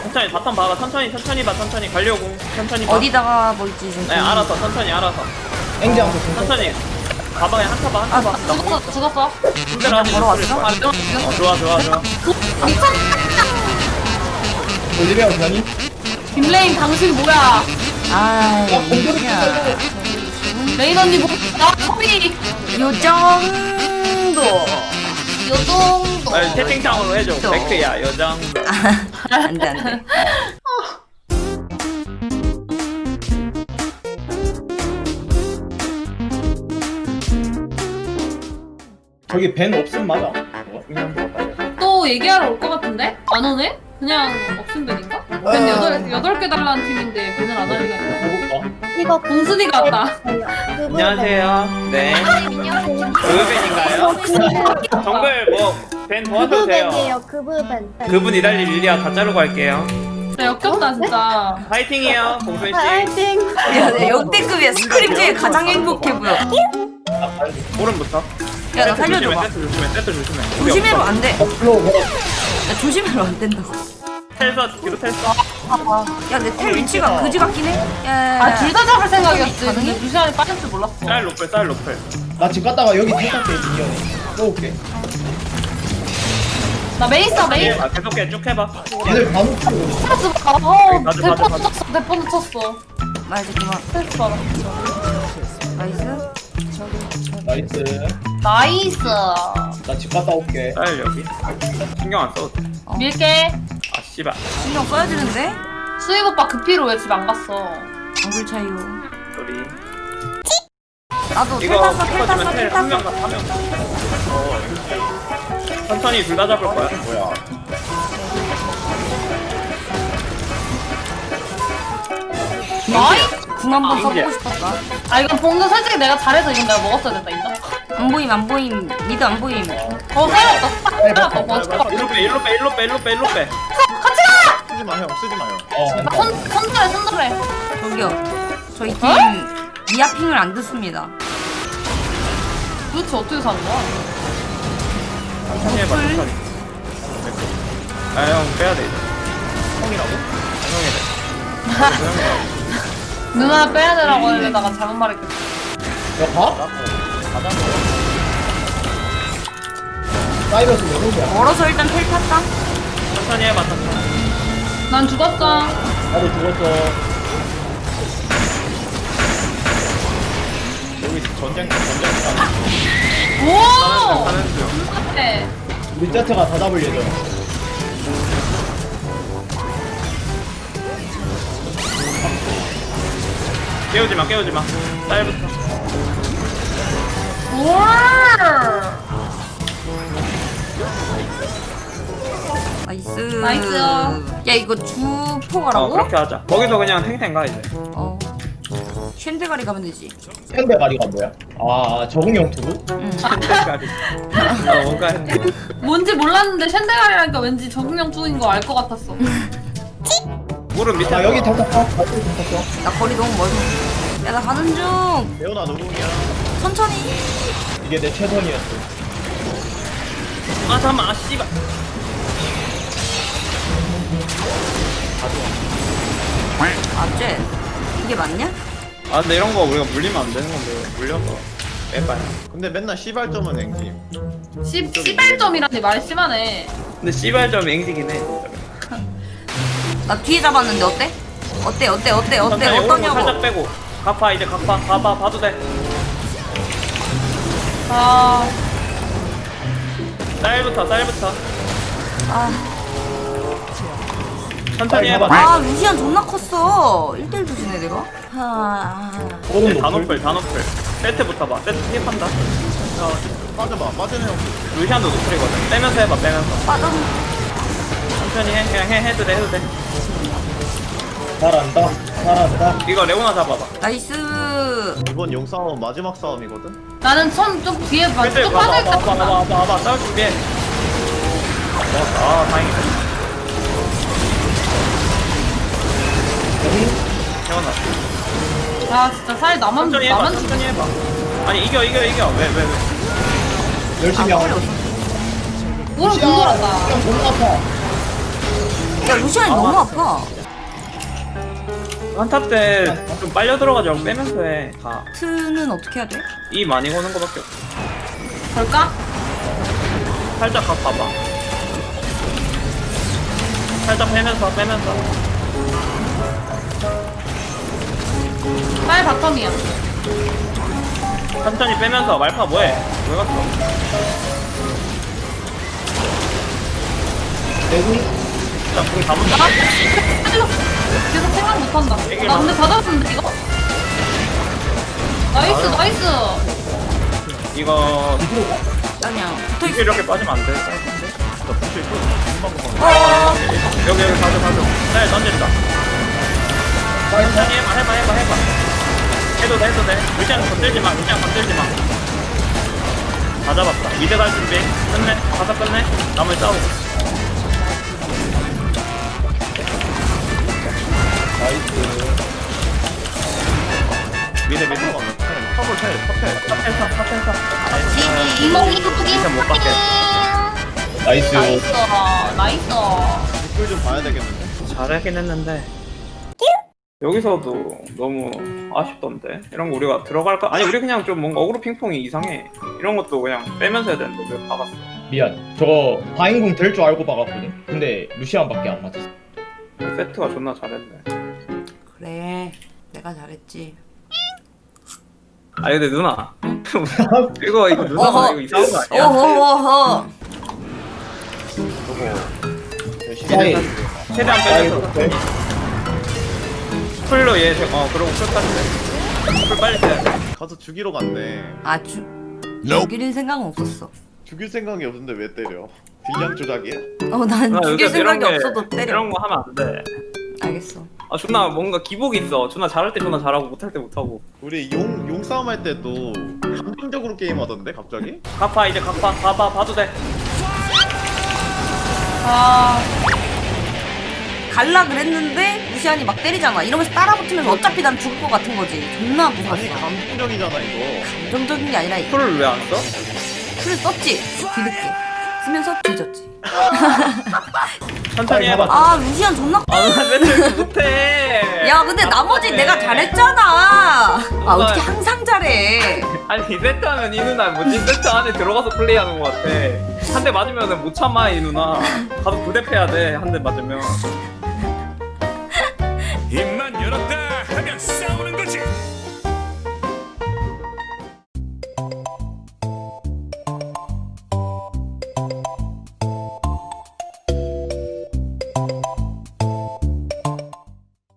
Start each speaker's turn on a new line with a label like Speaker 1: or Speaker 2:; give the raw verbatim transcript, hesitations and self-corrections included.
Speaker 1: 천천히 바텀 봐봐. 천천히 천천히 봐. 천천히 가려고. 천천히 봐.
Speaker 2: 어디다가 볼지 좀.
Speaker 1: 네 알아서 천천히 알아서.
Speaker 3: 앵지한테
Speaker 1: 천천히. 봐봐 그냥 한타 봐 한타 봐. 나
Speaker 4: 죽었어 죽었어.
Speaker 1: 군대로 하지.
Speaker 2: 걸어왔어?
Speaker 4: 아 이거
Speaker 1: 어 좋아 좋아 좋아.
Speaker 3: 올리베어 변이?
Speaker 4: 빅레인 당신 뭐야?
Speaker 2: 아이,
Speaker 3: 야, 공격을
Speaker 2: 야.
Speaker 4: 레인 언니 뭐야? 소리.
Speaker 2: 요 정도.
Speaker 4: 요 정도.
Speaker 1: 아, 채팅창으로 해줘.
Speaker 2: 또.
Speaker 1: 백크야 여장.
Speaker 2: 안 돼, 안 돼.
Speaker 3: 저기 벤 없음 맞아. 어, 그냥 들어갈까요?
Speaker 4: 또 얘기하러 올 것 같은데? 안 오네? 그냥 없음 벤인가? 벤 여덟 여덟 개 달라는 팀인데 벤을 안 하려고.
Speaker 3: 해볼까?
Speaker 5: 이거
Speaker 4: 봉순이가 왔다.
Speaker 1: 안녕하세요. 네.
Speaker 5: 안녕하세요.
Speaker 1: 그분인가요? 정글 뭐벤 도와줘도 돼요.
Speaker 5: 그브벤이에요. 그브벤.
Speaker 1: 그분 이달리 릴리아 다 자르고 갈게요.
Speaker 4: 진짜 역겹다 진짜.
Speaker 1: 파이팅이요, 봉순 씨.
Speaker 5: 파이팅.
Speaker 2: 야, 야, 역대급이야. 스크림 중에 가장 행복해 보여.
Speaker 1: 오른부터.
Speaker 2: 야, 나 살려줘봐.
Speaker 1: 세트 조심해, 세트 조심해. 우리
Speaker 2: 조심해로
Speaker 1: 없어.
Speaker 2: 안 돼.
Speaker 3: 앞으로 걸어.
Speaker 2: 야, 조심해로 안 된다고.
Speaker 1: 텔서 뒤로 텔서.
Speaker 2: 야, 내 텔 위치가 그지 같긴 해. 야,
Speaker 4: 아 둘 다 잡을 생각이었지.
Speaker 2: 가능해?
Speaker 4: 근데 루시안이 빠질 줄 몰랐어.
Speaker 1: 쌀 로플, 쌀 로플.
Speaker 3: 나 집 갔다가 여기 탈탈게 미니언. 쏘올게.
Speaker 4: 나 메이서 메이서.
Speaker 1: 아, 계속 해, 쭉 해봐.
Speaker 3: 얘들 다 놓치고.
Speaker 4: 어
Speaker 1: 가져,
Speaker 4: 대포
Speaker 1: 가져, 가져.
Speaker 4: 쳤어 대포 쳤어.
Speaker 2: 말 이제 그만.
Speaker 4: 스트레스 받아.
Speaker 2: 나이스.
Speaker 3: 나이스.
Speaker 4: 나이스.
Speaker 3: 나 집 갔다 올게.
Speaker 1: 쌀 여기. 신경 안 써도 돼.
Speaker 4: 밀게.
Speaker 1: 아, 씨발.
Speaker 2: 신경 써야 되는데?
Speaker 4: 수익 오빠 급히로 왜 집 안 갔어?
Speaker 2: 얼굴 차이요.
Speaker 1: 소리.
Speaker 2: 나도 텔
Speaker 1: 이거
Speaker 2: 탔어, 텔 탔어,
Speaker 1: 텔
Speaker 2: 텔
Speaker 1: 한 명
Speaker 2: 탔어.
Speaker 1: 가, 한 명 가. 어, 천천히 둘 다 잡을 거야.
Speaker 3: 뭐야?
Speaker 4: 나이스.
Speaker 2: 궁 한 번
Speaker 1: 아,
Speaker 2: 써보고
Speaker 1: 이제.
Speaker 2: 싶었다.
Speaker 4: 아 이건 봉도 솔직히 내가 잘해서 이건 내가 먹었어야 된다 인정?
Speaker 2: 안 보임, 안 보임. 미드 안 보임.
Speaker 4: 어 살았다 살았다 뭐 잠깐만.
Speaker 1: 일로 빼, 일로 빼, 일로 빼, 일로 빼, 일로 빼.
Speaker 6: 쓰지 마, 형, 쓰지 마요.
Speaker 3: 어.
Speaker 4: 손 손절해 손절해.
Speaker 2: 저기요. 저희 팀
Speaker 4: 어?
Speaker 2: 미아핑을 안 듣습니다.
Speaker 4: 도대체 어떻게 사는 거야?
Speaker 1: 천천히 해봐, 천천히. 아, 형 빼야 돼, 이제. 형이라고? 형이래.
Speaker 4: 누나 빼야 되라고 하려다가 잘못 말했겠지.
Speaker 3: 야 가? 사이버스 왜 그러냐?
Speaker 2: 멀어서 일단 텔 탔다.
Speaker 1: 천천히 해봐, 천천히.
Speaker 4: 난 죽었어.
Speaker 3: 나도 죽었어.
Speaker 6: 여기 전쟁, 전쟁
Speaker 4: 오!
Speaker 1: 가는 중.
Speaker 4: 네.
Speaker 3: 우리 제트가 다 잡을 예정.
Speaker 1: 깨우지 마, 깨우지 마. 쌀부터.
Speaker 4: 우와!
Speaker 2: 나이스.
Speaker 4: 나이스.
Speaker 2: 야, 이거 주포
Speaker 1: 어,
Speaker 2: 가라고?
Speaker 1: 그렇게 하자. 거기서 그냥 탱탱 가, 이제.
Speaker 2: 어. 쉔데가리 가면 되지.
Speaker 3: 샌드가리가 뭐야? 아 적응형 투구?
Speaker 2: 응.
Speaker 1: 탱탱까지. 어, 뭔가 했네.
Speaker 4: 뭔지 몰랐는데 쉔데갈이라니까 왠지 적응형 중인 거 알 것 같았어.
Speaker 1: 무릎 밑에.
Speaker 3: 나 여기 탈탔어. 갈수 있었어.
Speaker 2: 나 거리 너무 멀어. 야, 나 가는 중.
Speaker 6: 레오나 노궁이야.
Speaker 2: 천천히.
Speaker 3: 이게 내 최선이었어.
Speaker 1: 아, 잠깐만, 아, 씨발.
Speaker 2: 아, 쟤. 이게 맞냐?
Speaker 1: 아, 근데 이런 거 우리가 물리면 안 되는 건데, 물려서. 빼봐요.
Speaker 6: 근데 맨날 시발점은 앵기.
Speaker 4: 시, 시발점이라니 말 심하네.
Speaker 1: 근데 씨발점 앵지긴 해.
Speaker 2: 나 뒤에 잡았는데 어때? 어때, 어때, 어때, 어때,
Speaker 1: 천천히 오른쪽 살짝
Speaker 2: 어떠냐고.
Speaker 1: 빼고. 갚아, 이제 갚아. 봐봐, 봐도 돼.
Speaker 4: 아,
Speaker 1: 쌀부터, 쌀부터.
Speaker 2: 아,
Speaker 1: 천천히 해봐.
Speaker 2: 아, 루시안 존나 컸어. 일 대일 조지네, 내가. 하...
Speaker 3: 그거는
Speaker 1: 다
Speaker 3: 뭐
Speaker 1: 노플, 다 노플. 세트부터 봐. 세트 피입한다. 어,
Speaker 6: 빠져봐, 빠지네, 형.
Speaker 1: 루시안도 노플이거든. 빼면서 해봐, 빼면서.
Speaker 2: 빠져.
Speaker 1: 천천히 해, 그냥 해, 해도 돼, 해도 돼.
Speaker 3: 잘한다. 잘한다.
Speaker 1: 이거 레오나 잡아봐.
Speaker 2: 나이스.
Speaker 6: 이번 용싸움 마지막 싸움이거든?
Speaker 4: 나는 좀, 좀 뒤에 봐.
Speaker 1: 그때
Speaker 4: 좀
Speaker 1: 봐봐,
Speaker 4: 빠질 것
Speaker 1: 봐봐,
Speaker 4: 같다.
Speaker 1: 봐봐, 봐봐, 봐봐. 싸울 준비해. 아, 다행이다. 태어났어.
Speaker 4: 아, 진짜 살 나만,
Speaker 1: 천천히 해봐,
Speaker 4: 나만 죽
Speaker 1: 천천히 해봐. 아니, 이겨, 이겨, 이겨. 왜, 왜, 왜.
Speaker 3: 열심히
Speaker 2: 아,
Speaker 3: 하고.
Speaker 2: 거리 없어.
Speaker 4: 무릎 공돌았다.
Speaker 3: 그냥 존나 아파.
Speaker 2: 야 루시안이 너무 아파.
Speaker 1: 한타 때 좀 빨려 들어가지 말고 빼면서 해. 다.
Speaker 2: 트는 어떻게 해야 돼?
Speaker 1: 이 많이 거는 거밖에 없어.
Speaker 2: 걸까?
Speaker 1: 살짝 가 봐봐. 살짝 빼면서 빼면서.
Speaker 4: 빨 바텀이야.
Speaker 1: 천천히 빼면서 말파 뭐해? 왜 갔어?
Speaker 3: 내궁
Speaker 1: 자, 궁 다 문다.
Speaker 4: 아, 계속 생각 못한다. 나 근데 다 잡았는데 이거? 나이스 나이스.
Speaker 1: 이거
Speaker 2: 그냥 붙어
Speaker 1: 이렇게 이렇게 빠지면 안 돼.
Speaker 6: 나 부실 거 금방 금방.
Speaker 2: 어.
Speaker 1: 여기 여기 가져 가져. 날 던진다. 천천히 해봐 해봐 해봐 해봐. 해도 돼 해도 돼. 루시안 건들지 마. 루시안 건들지 마. 다 잡았다. 미드 갈 준비. 끝내. 가서 끝내. 나머지 싸우고.
Speaker 3: 나이스.
Speaker 1: 미드 미드.
Speaker 6: 탑을 해 탑해.
Speaker 1: 탑에서 탑에서.
Speaker 2: 지지.
Speaker 4: 이몽이 이쁘긴.
Speaker 1: 진짜 못 받게.
Speaker 3: 나이스.
Speaker 4: 나이스 나이스.
Speaker 6: 댓글 좀 봐야 되겠는데.
Speaker 1: 잘하긴 했는데 여기서도 너무 아쉽던데. 이런 거 우리가 들어갈까? 아니 우리 그냥 좀 뭔가 어그로 핑퐁이 이상해. 이런 것도 그냥 빼면서 해야 되는데 왜 박았어?
Speaker 3: 미안. 저거 바인궁 될 줄 알고 박았거든. 근데 루시안밖에 안 맞았어.
Speaker 1: 세트가 존나 잘했네.
Speaker 2: 그래 내가 잘했지.
Speaker 1: 아니 근데 누나 이거 이거 누나
Speaker 2: 어허.
Speaker 1: 이거 이상한 거 아니야?
Speaker 2: 어허허허.
Speaker 6: 저거 열심히
Speaker 3: 사이.
Speaker 6: 해.
Speaker 1: 최대한 빼면서 풀로 얘 어 그러고 풀까지 돼. 풀 빨리 빼야 돼.
Speaker 6: 가서 죽이러 갔네.
Speaker 2: 아주 죽일 생각은 없었어.
Speaker 6: 죽일 생각이 없는데 왜 때려? 딜량 조작이야?
Speaker 2: 어난
Speaker 1: 누나,
Speaker 2: 죽일
Speaker 1: 요새
Speaker 2: 생각이
Speaker 1: 이런 게-
Speaker 2: 없어도 때려.
Speaker 1: 이런 거 하면 안 돼.
Speaker 2: 알겠어.
Speaker 1: 아 존나 뭔가 기복이 있어. 존나 잘할 때 존나 잘하고 못할 때 못하고.
Speaker 6: 우리 용, 용 싸움 할 때도 감정적으로 게임하던데 갑자기?
Speaker 1: 갚아 이제 갚아 봐봐 봐도 돼.
Speaker 4: 아
Speaker 2: 갈라 그랬는데 루시안이 막 때리잖아. 이러면서 따라붙으면서 어차피 난 죽을 것 같은 거지. 존나 무서웠어.
Speaker 6: 아니 감정적이잖아 이거.
Speaker 2: 감정적인 게 아니라
Speaker 1: 풀을 왜 안 써?
Speaker 2: 풀을 썼지. 뒤늦게 쓰면서 뒤졌지.
Speaker 1: 천천히
Speaker 3: 아니,
Speaker 1: 해봐.
Speaker 2: 아 루시안 존나.
Speaker 1: 아, 나 맨날 이렇게 못해.
Speaker 2: 야 근데 나머지 내가 잘했잖아. 아 어떻게 항상 잘해.
Speaker 1: 아니, 이 세트 하면 이 누나 뭐지? 세트 안에 들어가서 플레이하는 것 같아. 한 대 맞으면 못 참아, 이 누나. 가서 부대패야 돼, 한 대 맞으면.